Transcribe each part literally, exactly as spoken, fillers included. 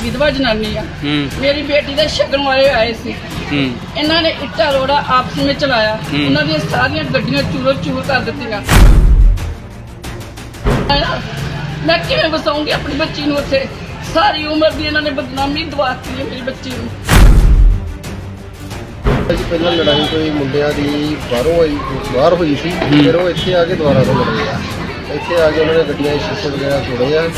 ਵਿਧਵਾ ਜਨਾਨੀ ਆ। ਮੇਰੀ ਬੇਟੀ ਦੇ ਸ਼ਗਨ ਵਾਲੇ ਆਏ ਸੀ। ਇਹਨਾਂ ਨੇ ਇੱਟਾ ਰੋੜਾ ਆਪਸ ਵਿੱਚ ਚਲਾਇਆ। ਉਹਨਾਂ ਦੀਆਂ ਸਾਰੀਆਂ ਗੱਡੀਆਂ ਚੂਰੋ ਚੂਰ ਕਰ ਦਿੱਤੀਆਂ। ਮੈਂ ਕਿਵੇਂ ਵਸਾਉਂਗੀ ਆਪਣੀ ਬੱਚੀ ਨੂੰ ਉੱਥੇ? ਸਾਰੀ ਉਮਰ ਦੀ ਇਹਨਾਂ ਨੇ ਬਦਨਾਮੀ ਦਵਾਤੀ ਹੈ ਮੇਰੀ ਬੱਚੀ ਨੂੰ। ਜੀ ਪਹਿਲਾਂ ਲੜਾਈ ਕੋਈ ਮੁੰਡਿਆਂ ਦੀ ਬਾਹਰੋਂ ਆਈ ਬਾਹਰ ਹੋਈ ਸੀ, ਫਿਰ ਉਹ ਇੱਥੇ ਆ ਕੇ ਦੁਬਾਰਾ ਤੋਂ ਲੜੇ ਆ। ਇੱਥੇ ਆ ਕੇ ਉਹਨਾਂ ਨੇ ਗੱਡੀਆਂ ਦੇ ਸ਼ੀਸ਼ੇ ਵਗੈਰਾ ਤੋੜੇ ਆ।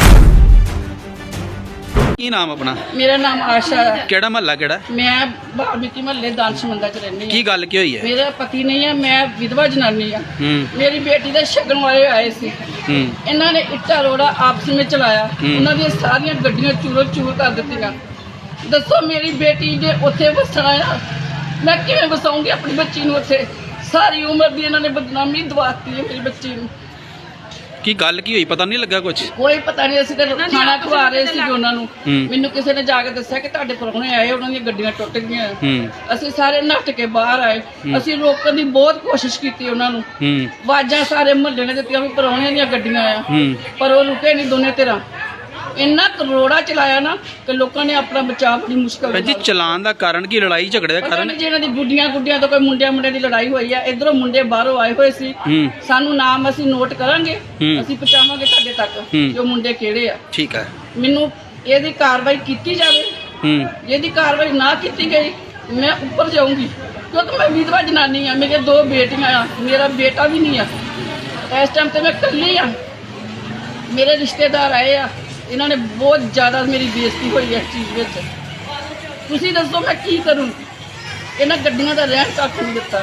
ਕੀ ਨਾਮ ਆਪਣਾ? ਮੇਰਾ ਨਾਮ ਆਸ਼ਾ ਹੈ। ਕਿਹੜਾ ਮਹੱਲਾ ਕਿਹੜਾ? ਮੈਂ ਬਾਲਮੀਕੀ ਮਹੱਲੇ ਦਾਨਸ਼ਮੰਦਾ ਚ ਰਹਿੰਦੀ ਹਾਂ। ਕੀ ਗੱਲ ਕੀ ਹੋਈ ਹੈ? ਮੇਰਾ ਪਤੀ ਨਹੀਂ ਹੈ, ਮੈਂ ਵਿਧਵਾ ਜਨਾਨੀ ਆ। ਮੇਰੀ ਬੇਟੀ ਦੇ ਸ਼ਗਨ ਵਾਲੇ ਆਏ ਸੀ। ਇਹਨਾਂ ਨੇ ਇੱਟਾ ਰੋੜਾ ਆਪਸ ਵਿੱਚ ਚਲਾਇਆ। ਉਹਨਾਂ ਦੀਆਂ ਸਾਰੀਆਂ ਗੱਡੀਆਂ ਚੂਰੋ ਚੂਰ ਕਰ ਦਿੱਤੀਆਂ। ਦੱਸੋ ਮੇਰੀ ਬੇਟੀ ਜੇ ਉੱਥੇ ਵਸਣਾ ਆ, ਮੈਂ ਕਿਵੇਂ ਵਸਾਉਂਗੀ ਆਪਣੀ ਬੱਚੀ ਨੂੰ ਉੱਥੇ? ਸਾਰੀ ਉਮਰ ਦੀ ਇਹਨਾਂ ਨੇ ਬਦਨਾਮੀ ਦਵਾਤੀ ਹੈ ਮੇਰੀ ਬੱਚੀ ਨੂੰ। ਕੀ ਗੱਲ ਕੀ ਹੋਈ? ਪਤਾ ਨਹੀਂ ਲੱਗਾ ਕੁਝ? ਕੋਈ ਪਤਾ ਨਹੀਂ। ਅਸੀਂ ਤਾਂ ਖਾਣਾ ਖਵਾ ਰਹੇ ਸੀ ਉਹਨਾਂ ਨੂੰ। ਮੈਨੂੰ ਕਿਸੇ ਨੇ ਜਾ ਕੇ ਦੱਸਿਆ ਕਿ ਤੁਹਾਡੇ ਪ੍ਰਾਹੁਣੇ ਆਏ, ਉਹਨਾਂ ਦੀਆਂ ਗੱਡੀਆਂ ਟੁੱਟ ਗਈਆਂ। ਅਸੀਂ ਸਾਰੇ ਨੱਠ ਕੇ ਬਾਹਰ ਆਏ। ਅਸੀਂ ਰੋਕਣ ਦੀ ਬਹੁਤ ਕੋਸ਼ਿਸ਼ ਕੀਤੀ ਉਹਨਾਂ ਨੂੰ। ਆਵਾਜ਼ਾਂ ਸਾਰੇ ਮੁਹੱਲੇ ਨੇ ਦਿੱਤੀਆਂ ਵੀ ਪ੍ਰਾਹੁਣਿਆਂ ਦੀਆਂ ਗੱਡੀਆਂ ਆ, ਪਰ ਉਹ ਰੁਕੇ ਨਹੀਂ ਦੋਨੇ ਧਿਰਾਂ। ਇੰਨਾ ਕਰੋੜਾ ਚਲਾਇਆ ਨਾ ਕਿ ਲੋਕਾਂ ਨੇ ਆਪਣਾ ਬਚਾਅ ਬੜੀ ਮੁਸ਼ਕਲ ਨਾਲ। ਜੀ ਚਲਾਨ ਦਾ ਕਾਰਨ ਕੀ? ਲੜਾਈ ਝਗੜੇ ਦਾ ਕਾਰਨ? ਜਿਹਨਾਂ ਦੀ ਗੁੱਡੀਆਂ ਗੁੱਡੀਆਂ ਤੋਂ ਕੋਈ ਮੁੰਡਿਆਂ ਮੁੰਡਿਆਂ ਦੀ ਲੜਾਈ ਹੋਈ ਆ। ਇਧਰੋਂ ਮੁੰਡੇ ਬਾਹਰੋਂ ਆਏ ਹੋਏ ਸੀ। ਸਾਨੂੰ ਨਾਮ ਅਸੀਂ ਨੋਟ ਕਰਾਂਗੇ, ਅਸੀਂ ਪਹੁੰਚਾਵਾਂਗੇ ਤੁਹਾਡੇ ਤੱਕ ਕਿ ਉਹ ਮੁੰਡੇ ਕਿਹੜੇ ਆ। ਠੀਕ ਹੈ। ਮੈਨੂੰ ਇਹਦੀ ਕਾਰਵਾਈ ਕੀਤੀ ਜਾਵੇ। ਇਹਦੀ ਕਾਰਵਾਈ ਨਾ ਕੀਤੀ ਗਈ ਮੈਂ ਉੱਪਰ ਜਾਊਂਗੀ, ਕਿਉਂਕਿ ਮੈਂ ਵਿਧਵਾ ਜਨਾਨੀ ਆ। ਮੇਰੇ ਦੋ ਬੇਟੀਆਂ ਆ, ਮੇਰਾ ਬੇਟਾ ਵੀ ਨਹੀਂ ਆ। ਇਸ ਟਾਈਮ ਤੇ ਮੈਂ ਇਕੱਲੀ ਆ। ਮੇਰੇ ਰਿਸ਼ਤੇਦਾਰ ਆਏ ਆ, ਇਹਨਾਂ ਨੇ ਬਹੁਤ ਜ਼ਿਆਦਾ ਮੇਰੀ ਬੇਇੱਜ਼ਤੀ ਹੋਈ ਇਸ ਚੀਜ਼ ਵਿੱਚ। ਤੁਸੀਂ ਦੱਸੋ ਮੈਂ ਕੀ ਕਰੂੰ? ਇਹਨਾਂ ਗੱਡੀਆਂ ਦਾ ਰਹਿਣ ਤੱਕ ਨਹੀਂ ਦਿੱਤਾ।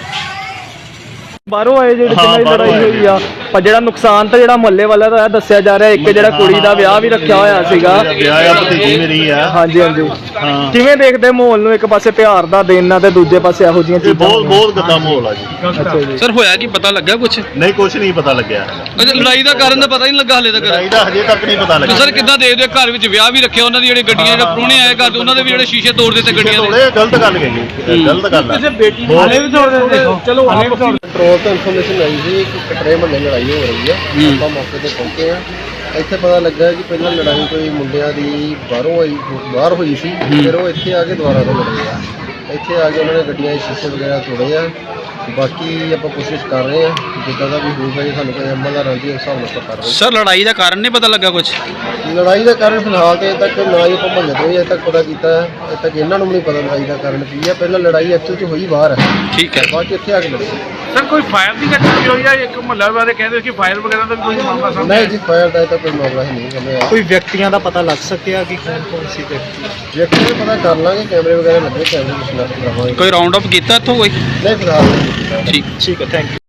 ਬਾਹਰੋਂ ਆਏ ਜਿਹੜੇ ਜਿਨ੍ਹਾਂ ਦੀ ਲੜਾਈ ਹੋਈ ਆ, ਪਰ ਜਿਹੜਾ ਨੁਕਸਾਨ ਤਾਂ ਜਿਹੜਾ ਮੁਹੱਲੇ ਵਾਲਾ ਦਾ ਦੱਸਿਆ ਜਾ ਰਿਹਾ। ਇੱਕ ਜਿਹੜਾ ਕੁੜੀ ਦਾ ਵਿਆਹ ਵੀ ਰੱਖਿਆ ਹੋਇਆ ਸੀਗਾ। ਵਿਆਹ ਆ, ਭਤੀਜੀ ਮੇਰੀ ਆ। ਹਾਂਜੀ ਹਾਂਜੀ। ਕਿਵੇਂ ਦੇਖਦੇ ਮਾਹੌਲ ਨੂੰ? ਇੱਕ ਪਾਸੇ ਪਿਆਰ ਦਾ ਦੇਣਾ ਤੇ ਦੂਜੇ ਪਾਸੇ ਇਹੋ ਜਿਹੀਆਂ ਚੀਜ਼ਾਂ। ਬਹੁਤ ਬਹੁਤ ਗੰਦਾ ਮਾਹੌਲ ਆ ਜੀ। ਅੱਛਾ ਜੀ। ਸਰ ਹੋਇਆ ਕੀ? ਪਤਾ ਲੱਗਾ ਕੁਝ? ਨਹੀਂ, ਕੁਝ ਨਹੀਂ ਪਤਾ ਲੱਗਿਆ। ਲੜਾਈ ਦਾ ਕਾਰਨ ਤਾਂ ਪਤਾ ਹੀ ਨਹੀਂ ਲੱਗਾ ਹਲੇ ਤੱਕ। ਲੜਾਈ ਦਾ ਹਜੇ ਤੱਕ ਨਹੀਂ ਪਤਾ ਲੱਗਾ। ਸਰ ਕਿੱਦਾਂ ਦੇਖਦੇ? ਘਰ ਵਿੱਚ ਵਿਆਹ ਵੀ ਰੱਖਿਆ, ਉਹਨਾਂ ਦੀ ਜਿਹੜੇ ਗੱਡੀਆਂ ਜਿਹੜੇ ਪ੍ਰਾਹੁਣੇ ਆਏ ਘਰ, ਉਹਨਾਂ ਦੇ ਵੀ ਜਿਹੜੇ ਸ਼ੀਸ਼ੇ ਤੋੜ ਦਿੱਤੇ ਗੱਡੀਆਂ ਦੇ। ਗਲਤ ਗੱਲ ਗਈ, ਗਲਤ ਗੱਲ ਆ। ਬੇਟੀ ਹਾਲੇ ਵੀ ਤੋੜ ਦਿੰਦੇ। ਚਲੋ ਕੰਟਰੋਲ ਤੋਂ ਇਨਫੋਰਮੇਸ਼ਨ ਆਈ ਸੀ ਕਿ ਕਟਰੇ ਮਹੱਲੇ ਲੜਾਈ ਹੋ ਰਹੀ ਆ। ਆਪਾਂ ਮੌਕੇ ਤੇ ਪਹੁੰਚੇ ਆ। ਇੱਥੇ ਪਤਾ ਲੱਗਾ ਕਿ ਪਹਿਲਾਂ ਲੜਾਈ ਕੋਈ ਮੁੰਡਿਆਂ ਦੀ ਬਾਹਰੋਂ ਆਈ ਬਾਹਰ ਹੋਈ ਸੀ, ਫਿਰ ਉਹ ਇੱਥੇ ਆ ਕੇ ਦੁਬਾਰਾ ਤੋਂ ਲੜੇ ਆ। ਇੱਥੇ ਆ ਕੇ ਉਹਨਾਂ ਨੇ ਗੱਡੀਆਂ ਦੇ ਸ਼ੀਸ਼ੇ ਵਗੈਰਾ ਤੋੜੇ ਆ। ਬਾਕੀ ਆਪਾਂ ਕੋਸ਼ਿਸ਼ ਕਰ ਰਹੇ ਆ, ਜਿੱਦਾਂ ਦਾ ਵੀ ਹੋਊਗਾ ਜੇ ਸਾਨੂੰ ਕੋਈ ਅਮਲ ਦਾ ਰਾਂਝੀ ਉਸ ਹਿਸਾਬ ਨਾਲ ਆਪਾਂ ਕਰ ਰਹੇ। ਸਰ ਲੜਾਈ ਦਾ ਕਾਰਨ ਨਹੀਂ ਪਤਾ ਲੱਗਾ ਕੁਝ? ਲੜਾਈ ਦਾ ਕਾਰਨ ਫਿਲਹਾਲ ਤੇ ਅਜੇ ਤੱਕ ਨਾ ਹੀ ਆਪਾਂ ਮਹੱਲੇ ਤੋਂ ਅਜੇ ਤੱਕ ਪਤਾ ਕੀਤਾ। ਅਜੇ ਤੱਕ ਇਹਨਾਂ ਨੂੰ ਵੀ ਨਹੀਂ ਪਤਾ ਲੜਾਈ ਦਾ ਕਾਰਨ ਕੀ ਆ। ਪਹਿਲਾਂ ਲੜਾਈ ਐਕਚੁਅਲ 'ਚ ਹੋਈ ਬਾਹਰ ਹੈ। ਠੀਕ ਹੈ। ਬਾਅਦ 'ਚ ਇੱਥੇ ਆ ਕੇ ਲੜੇ। ਸਰ ਕੋਈ ਫਾਇਰ ਦੀ ਘਟਨਾ ਵੀ ਹੋਈ ਆ? ਇੱਕ ਮੁਹੱਲਾ ਵਾਲੇ ਕਹਿੰਦੇ ਕਿ ਫਾਇਰ ਵਗੈਰਾ ਦਾ ਵੀ ਕੋਈ ਮਾਮਲਾ ਸਾਹਮਣੇ ਨਹੀਂ ਜੀ, ਫਾਇਰ ਦਾ ਤਾਂ ਕੋਈ ਮਾਮਲਾ ਹੀ ਨਹੀਂ ਸਾਹਮਣੇ ਆਇਆ। ਕੋਈ ਵਿਅਕਤੀਆਂ ਦਾ ਪਤਾ ਲੱਗ ਸਕਿਆ ਕਿ ਕੌਣ ਕੌਣ ਸੀ ਵਿਅਕਤੀ? ਵਿਅਕਤੀ ਦਾ ਪਤਾ ਕਰ ਲਾਂਗੇ, ਕੈਮਰੇ ਵਗੈਰਾ ਲੱਗੇ, ਕੈਮਰੇ ਦੀ ਸ਼ਨਾਖਤ ਕਰਾਵਾਂਗੇ। ਕੋਈ ਰਾਉਂਡ ਅਪ ਕੀਤਾ ਇੱਥੋਂ ਕੋਈ? ਨਹੀਂ ਫਿਲਹਾਲ ਨਹੀਂ ਕੀਤਾ। ਠੀਕ ਠੀਕ ਹੈ, ਥੈਂਕ ਯੂ।